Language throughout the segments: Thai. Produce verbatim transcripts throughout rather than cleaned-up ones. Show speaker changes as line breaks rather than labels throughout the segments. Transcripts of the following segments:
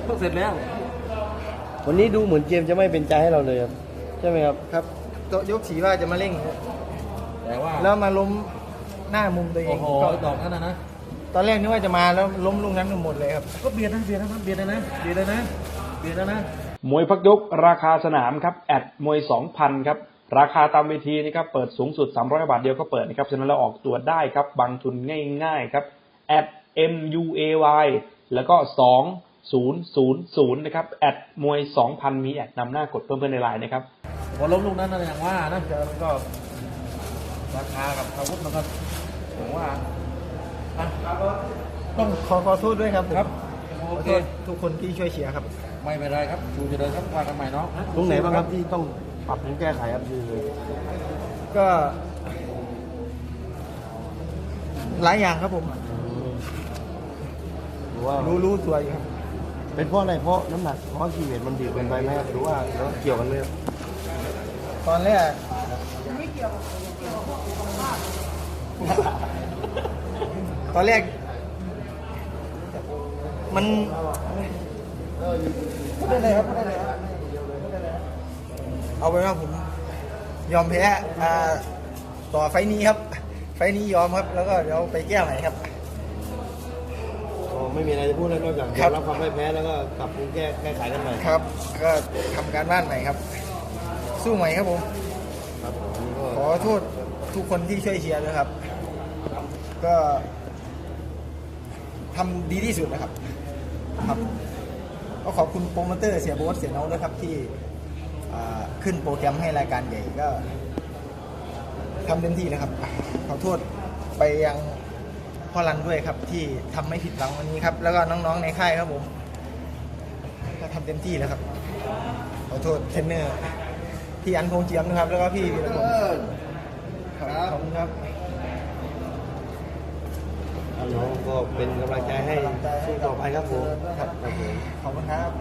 ก็เสร็จแล้ว
วันนี้ดูเหมือนเกมจะไม่เป็นใจให้เราเลยครับใช่ไหมครับ
ครับตัวยกสีว่าจะมาเร่ง
แต่ว่า
แล้วมาล้มหน้ามุมตัวเอง
โอ้โหดอกนั้นนะ
ตอนแรกนึกว่าจะมาแล้วล้มลูกนั้นหมดเลยครับ
ก็เบียดนะเบียดนะเบียดนะเบียดนะเบียดนะ
มวยพักยกราคาสนามครับแอดมวย สองพัน ครับราคาตามเวทีนี่ครับเปิดสูงสุดสามร้อยบาทเดียวก็เปิดนะครับฉะนั้นเราออกตัวได้ครับบางทุนง่ายๆครับแอด เอ็ม ยู เอ วาย แล้วก็สอง ศูนย์ ศูนย์ ศูนย์นะครับแอดมวย สองพัน มีแอดนำหน้ากดเพิ่มเพื่อนในไลน์นะครับ
พอล้มลูกนั้นนะอย่างว่านะมันก็ราคากับอาวุธมันก็ผมว่า
ต้องขอขอโทษด้วยครับ
ครับ
โอเคทุกคนที่ช่วยเชียร์ครับ
ไม่เป็นไรครับชูจะเดินครับว่ากันใหม่เนาะ
ตรงไหนบ้างครับที่ต้องปรับปรุงแก้ไขครับคือ
ก็หลายอย่างครับผม
หรือว่า
รู้รู้ตัวอยู่ครับ
เป็นเพราะอะไรเพราะน้ำหนักเพราะกีเวทมันดีเกินไปไหมครับหรือว่าแล้วเกี่ยวกันไหมครับ
ตอนแรกตอนแรกมันไม่ได้เลยครับไม่ได้เลยครับเอาไปว่าผมยอมแพ้ต่อไฟนี้ครับไฟนี้ยอมครับแล้วก็เดี๋ยวไปแก้ใหม่ครับ
อ๋อไม่มีอะไรจะพูดแล้วนอกจากยอมรับความไม่แพ้แล้วก็ปรับปรุงแก้แก้ไขกันใหม่
ครับก็ทำการบ้านใหม่ครับสู้ใหม่ครับผมขอโทษทุกคนที่ช่วยเชียร์นะครับก็ทำดีที่สุดนะครับครับก็ขอบคุณโปรโมเตอร์เสียโบ๊ทเสียน้องด้วยครับที่ขึ้นโปรแกรมให้รายการใหญ่ก็ทำเต็มที่นะครับขอโทษไปยังพ่อรันด้วยครับที่ทำไม่ผิดหวังวันนี้ครับแล้วก็น้องๆในค่ายครับผมก็ทำเต็มที่แล้วครับขอโทษเทรนเนอร์พี่อันพงษ์เจียมนะครับแล้วก็พี่วีรพงศ์ขอบคุณครับ
น้องก็เป็นกำลังใจให้สู้ต่อไปครับผม
ครับขอบคุณครับ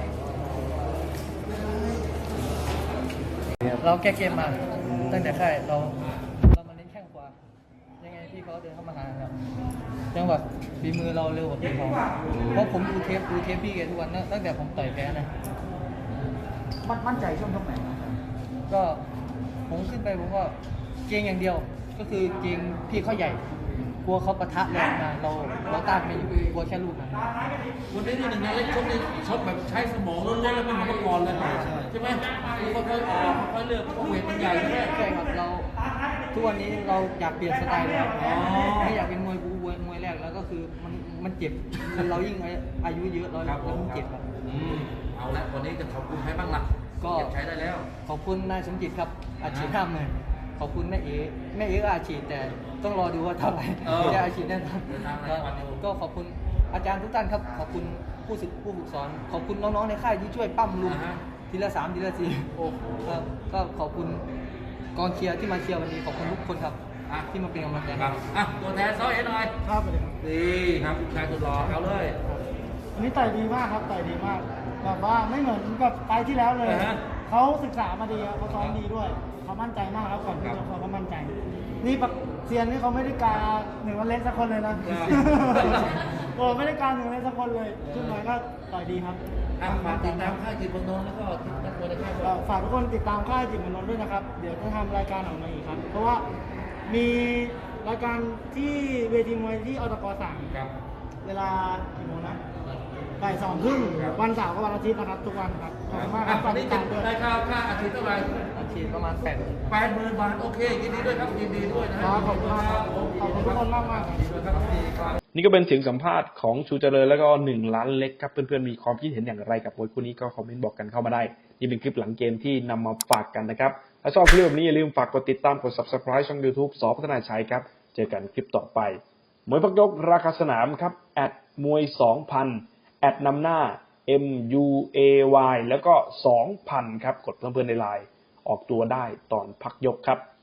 เราแก้เกมมาตั้งแต่ค่ายเราเรามาเน้นแข้งขวายังไงพี่เขาเดินเข้ามาหาครับจังหวะฝีมือเราเร็วกว่าพี่เขาเพราะผมดูเทปดูเทปพี่แกทุกวันตั้งแต่ผมต่อยแพ้นะมั่นใจช่วงตรงไหนก็ผมขึ้นไปผมก็เกงอย่างเดียวก็คือเกงพี่เขาใหญ่กลัวเขาปะทะแรงมาเราเราต้านไม่อยู่กลัวแค่ลูกนะ
วันนี้นี่หนึ่งนะเล็กชกนี่ชกแบบใช้สมองล้วนๆแล้วไม่เหมือนเมื่อก่อนเลยใช่ไหมค่อยๆออกค่อยๆเลือกเพราะเวทมันใหญ่ใช่ไหม
ใช่ครับเราทุกวันนี้เราอยากเปลี่ยนสไตล์แล้วไม่อยากเป็นมวยบูมวยมวยแรกแล้วก็คือมันมันเจ็บเรายิ่งอายุเยอะเราเรายิ่งเจ็บครับ
เอาละวันนี้จะขอบคุณใครบ้างล่ะก็ใช้ได้แล้ว
ขอบคุณนายสมจิตครับอาชีพห้ามเลยขอบคุณแม่เอ๋แม่เอ๋ก็อาชีพแต่ต้องรอดูว่าเท่าไหร่ไม่ได้อาชีพแน่นอนก็ขอบคุณอาจารย์ทุกท่านครับขอบคุณผู้ศึกผู้ฝึกสอนขอบคุณน้องๆในค่ายที่ช่วยปั้มลุงทีละสามทีละสี่ครับก็ขอบคุณกองเชียร์ที่มาเชียร์วันนี้ขอบคุณทุกคนครับที่มาเป็นกำลังใจ
ครับอ่ะตัวแทนซ้อยเอ็นหน่อย
ครับ
ดีครับชายสุดหล่อเอาเลย
อันนี้ต่อยดีมากครับต่อยดีมากแบบว่าไม่เหมือนกับไปที่แล้วเลยเขาศึกษามาดีเขาซ้อมดีด้วยเขามั่นใจมากแล้วก่อนที่จะเขาก็มั่นใจนี่ปักเซียนนี่เขาไม่ได้กาหนึ่งวันเล่นสักคนเลยนะโอ้ไม่ได้กาหนึ่งเล่นสักคนเลยขึ้นมาก็ต่อยดีครับ
ฝากติดตามค่ายจิตรมนนท์แล้วก็นักมวยในค่าย
ฝากทุกคนติดตามค่ายจิตรมนนท์ด้วยนะครับเดี๋ยวจะทำรายการออกมาอีกครับเพราะว่ามีรายการที่เวทีมวยที่อตกสามเวลากี่โมงนะบ่ายสองครึ่งวันเสาร์กับวันอาทิตย์นะครับทุกวันครับขอบคุณมากครับ
วันนี้จะได้ค่าค่าอาทิตย์เท่าไหร่
อาทิตย์ประมาณแปด
แปดหมื่นบาทโอเคยินดีด้วยครับยินดีด้วยนะครับ
ขอบคุณมากขอบคุณทุกคนมากมาก
นี่ก็เป็นเสียงสัมภาษณ์ของชูเจริญแล้วก็หนึ่งล้านเล็กครับเพื่อนๆมีความคิดเห็นอย่างไรกับมวยคู่นี้ก็คอมเมนต์บอกกันเข้ามาได้นี่เป็นคลิปหลังเกมที่นำมาฝากกันนะครับถ้าชอบคลิปแบบนี้อย่าลืมฝากกดติดตามกด ซับสไครบ์ ช่อง ยูทูบ ส.พัฒนาชัยครับเจอกันคลิปต่อไปมวยพักยกราคาสนามครับแอดมวย สองพัน แอดนำหน้า เอ็ม ยู เอ วาย แล้วก็ สองพัน ครับกดเพิ่มเพื่อนในไลน์ออกตัวได้ตอนพักยกครับ